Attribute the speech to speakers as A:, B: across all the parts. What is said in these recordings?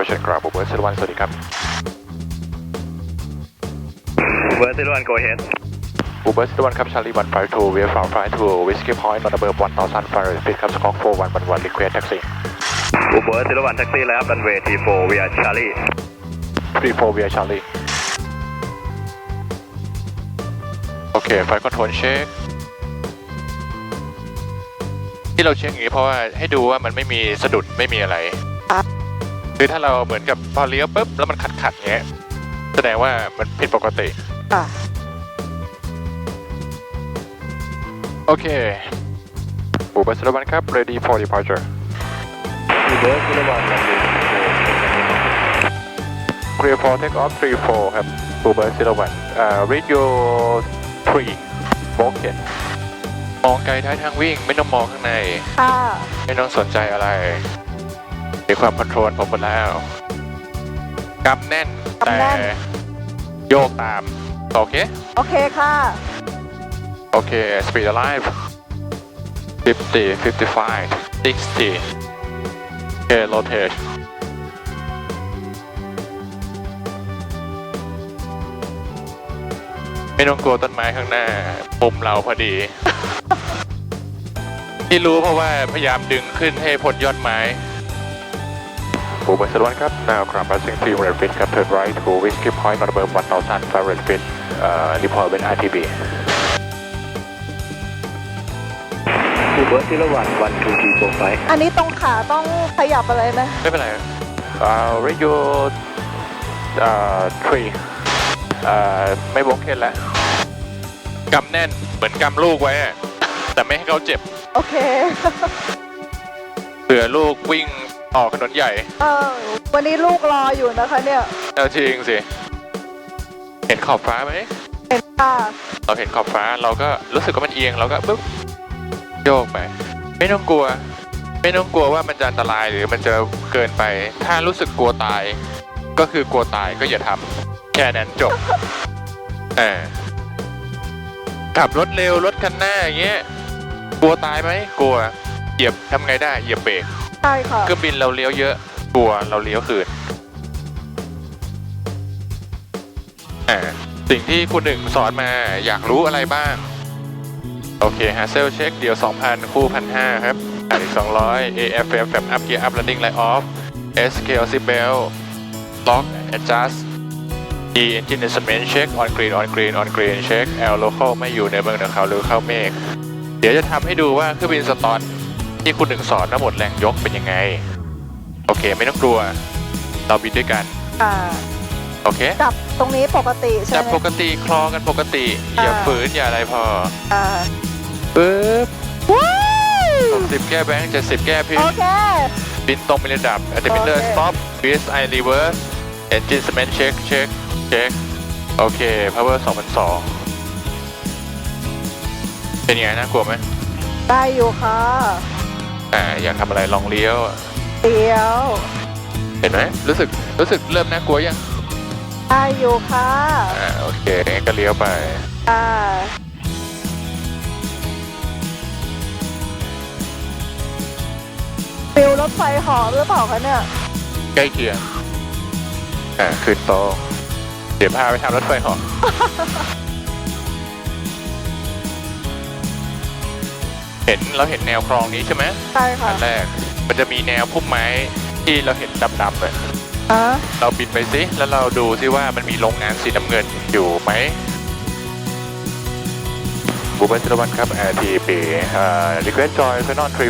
A: Operation Ground Uber 01สวัสดีครับ
B: Uber 01 go ahead
A: Uber 01ครับ Charlie 152 we are from flight to Whiskey Point on above 1,500 feet ครับ Squawk 4111 request taxi
B: Uber 01 taxi left runway T4 we are Charlie
A: 34 we are Charlie โอเค Flight Control check ที่เราเช็คอย่างนี้เพราะว่าให้ดูว่ามันไม่มีสะดุดไม่มีอะไรคือถ้าเราเหมือนกับพอเลี้ยวปุ๊บแล้วมันขัดเงี้ยแสดงว่ามันผิดปกติโอเคบูเบอร์01ครับ ready for departure
B: Uber 01 runway
A: clear for take off 34ครับบูเบอร์01read your 3 broken มองไกลท้ายทางวิ่งไม่ต้องมองข้างในไม่ต้องสนใจอะไรมีความคอนโทรลผมหมดแล้วกำแน่นแต่โยกตามโอเค
C: โอเคค่ะ
A: โอเค speed alive 50 55 60โอเค rotate ไม่ต้องกลัวต้นไม้ข้างหน้ามุมเราพอดี ที่รู้เพราะว่าพยายามดึงขึ้นให้พ้นยอดไม้บูเบอร์01ครับ now ground passing 300 feet ครับ turn right to Whiskey Point on above 1,500 feet report with RTB
B: Uber 01 12345
C: อันนี้ตรงขาต้องขยับอะไรไหม
A: ไม่เป็นไรradio 3ไม่วงเคนแล้วกำแน่นเหมือนกำลูกไว้แต่ไม่ให้เขาเจ็บ
C: โอเค
A: เผื่อลูกวิ่งออกถนนใหญ่
C: วันนี้ลูกรออยู่นะคะเนี่ย
A: เอาจริงสิเห็นขอบฟ้าไหม
C: เห็นค่ะ
A: เราเห็นขอบฟ้าเราก็รู้สึกว่ามันเอียงเราก็ปึ๊บโยกไปไม่ต้องกลัวว่ามันจะอันตรายหรือมันจะเกินไปถ้ารู้สึกกลัวตายก็คือกลัวตายก็อย่าทำแค่นั้นจบขับรถเร็วรถคันหน้าอย่างเงี้ยกลัวตายไหมกลัวเหยียบทำไงได้เหยียบเบรก
C: ใช่ค่ะ
A: เครื่องบินเราเลี้ยวเยอะกลัวเราเลี้ยวคืนสิ่งที่คุณหนึ่งสอนมาอยากรู้อะไรบ้างโอเคฮะเซลเช็คเดี๋ยว 2,000 คู่ 1,500 ครับอีก 200 AFF แบบ up gear up landing light off SKL seat belt lock adjust E engine instrument check on green check L local ไม่อยู่ในเมืองเขาหรือเข้าเมฆเดี๋ยวจะทำให้ดูว่าเครื่องบินสตอนที่คุณหนึ่งสอนทั้งหมดแรงยกเป็นยังไงโอเคไม่ต้องกลัวเราบินด้วยกันโอเค
C: จับตรงนี้ปกติใช่ไหม
A: จับปกติคลอกันปกติอย่าฝืนอย่าอะไรพอปึ๊บ60แก้แบงค์70แก้พิน
C: โอเค
A: บินตรงไประดับ altimeter stop VSI reverse engine cement check โอเค power 2,200เป็นยังไงน่ากลัวไหม
C: ได้อยู่ค่ะ
A: อยากทำอะไรลองเลี้ยวเห็นไหมรู้สึกเริ่มน่ากลัวยัง
C: ได้อยู่ค่ะ
A: โอเคงั้นก็เลี้ยวไป
C: ฟิลรถไฟหอหรือเปล่าคะเนี่ย
A: ใกล้เคียงขึ้นโตเดี๋ยวพาไปทำรถไฟหอเราเห็นแนวคลองนี้ใช่ไหม
C: ใช่ค่ะ
A: อันแรกมันจะมีแนวพุ่มไม้ที่เราเห็นดำๆเลยเราบินไปซิแล้วเราดูซิว่ามันมีโรงงานสีน้ำเงินอยู่ไหมบูเบอร์01ครับ RTB request join final 34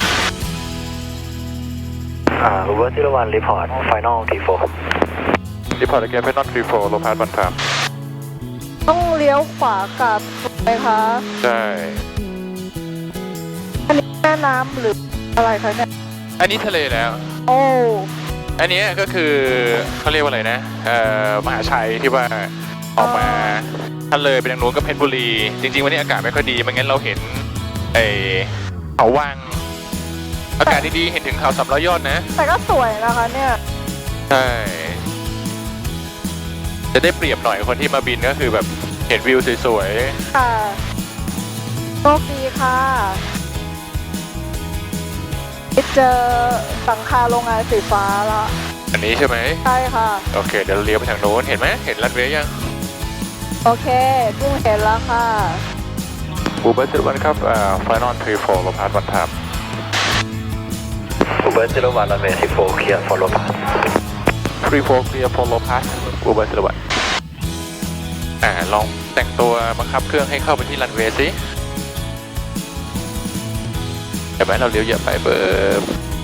B: Uber 01 report final T4
A: report again final 34 low pass 1 time
C: ต้องเลี้ยวขวากลับไหมคะ
A: ใช่
C: อันนี้แม่น้ำหรืออะไรคะเนี่ย
A: อันนี้ทะเลแล้ว
C: โอ้
A: อันนี้ก็คือเขาเรียกว่าอะไรนะมหาชัยที่ว่าออกมาทะเลไปทางนู้นก็เพชรบุรีจริงๆวันนี้อากาศไม่ค่อยดีไม่งั้นเราเห็นเขาวังอากาศดีๆเห็นถึงเขา300 ยอดนะ
C: แต่ก็สวยนะคะเนี่ย
A: ใช่จะได้เปรียบหน่อยคนที่มาบินก็คือแบบเห็นวิวสวย
C: ๆค่ะโชคดีค่ะเจอหลังคาโรงงานสีฟ้าแล้ว
A: อันนี้ใช่ไหม
C: ใช่ค่ะ
A: โอเคเดี๋ยวเราเลี้ยวไปทางโน้นเห็นไหมเห็นรันเวย์ยัง
C: โอเคกุ้งเห็นแล้วค่ะ
A: บูเบอร์01ครับFinal 34ลงพาร์ทวันทับ
B: บูเบอร์01 runway 34 clear follow path
A: 34 clear follow pass บูเบอร์01ลองแต่งตัวบังคับเครื่องให้เข้าไปที่รันเวย์สิเห็นไหมเราเลี้ยวเยอะไปเบิร์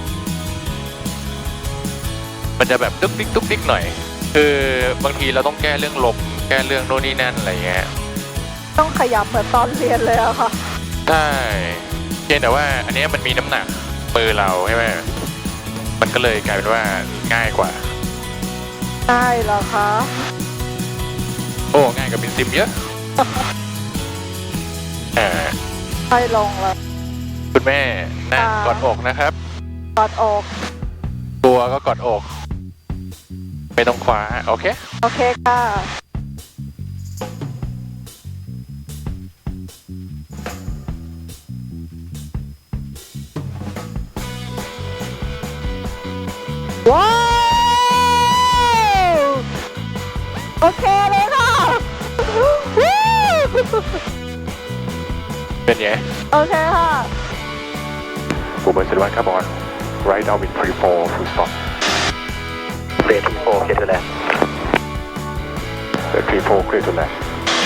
A: มันจะแบบตุ๊กติ๊กหน่อยคือบางทีเราต้องแก้เรื่องลมแก้เรื่องโน่นนี่นั่นอะไรเงี้ย
C: ต้องขยับเหมือนตอนเรียนเลยอะค่ะ
A: ใช่เพียงแต่ว่าอันเนี้ยมันมีน้ำหนักมือเราใช่ไหมมันก็เลยกลายเป็นว่าง่ายกว่า
C: ได้เหรอคะ
A: โอ้ง่ายกว่าบินซิมเยอะ
C: ใช่ลงแล้ว
A: คุณแม่นั่งกอดอกนะครับ
C: กอดอก
A: ตัวก็กอดอกไม่ต้องคว้าโอเค
C: โอเคค่ะ ว้าว โอเคเลยค่ะ
A: เป็นไง
C: โอเคค่ะ
A: บูเบอร์01ครับบอล right now in 34 full stop
B: way T4 clear to land
A: 34 clear to land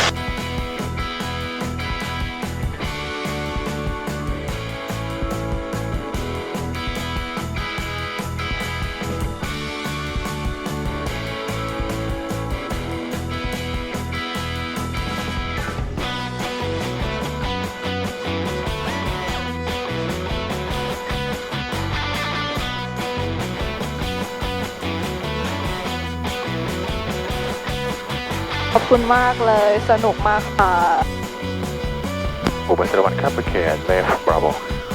C: ขอบคุณมากเลย สนุกมากค่ะ
A: บูเบอร์01ครับโอเค left bravo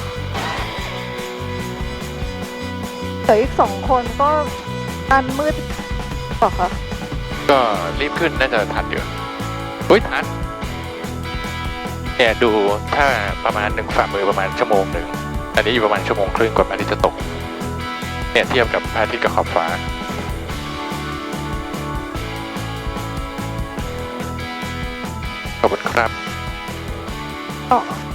C: แต่อีกสองคนก็อันมืดเปล่าคะ
A: ก็รีบขึ้นน่าจะทันอยู่เฮ้ยทันเนี่ยดูถ้าประมาณ1ฝ่ามือประมาณชั่วโมงหนึ่งอันนี้อยู่ประมาณชั่วโมงครึ่งกว่าพระอาทิตย์จะตกเนี่ยเทียบกับพระอาทิตย์กับขอบฟ้าขอบคุณครับ
C: อ๋อ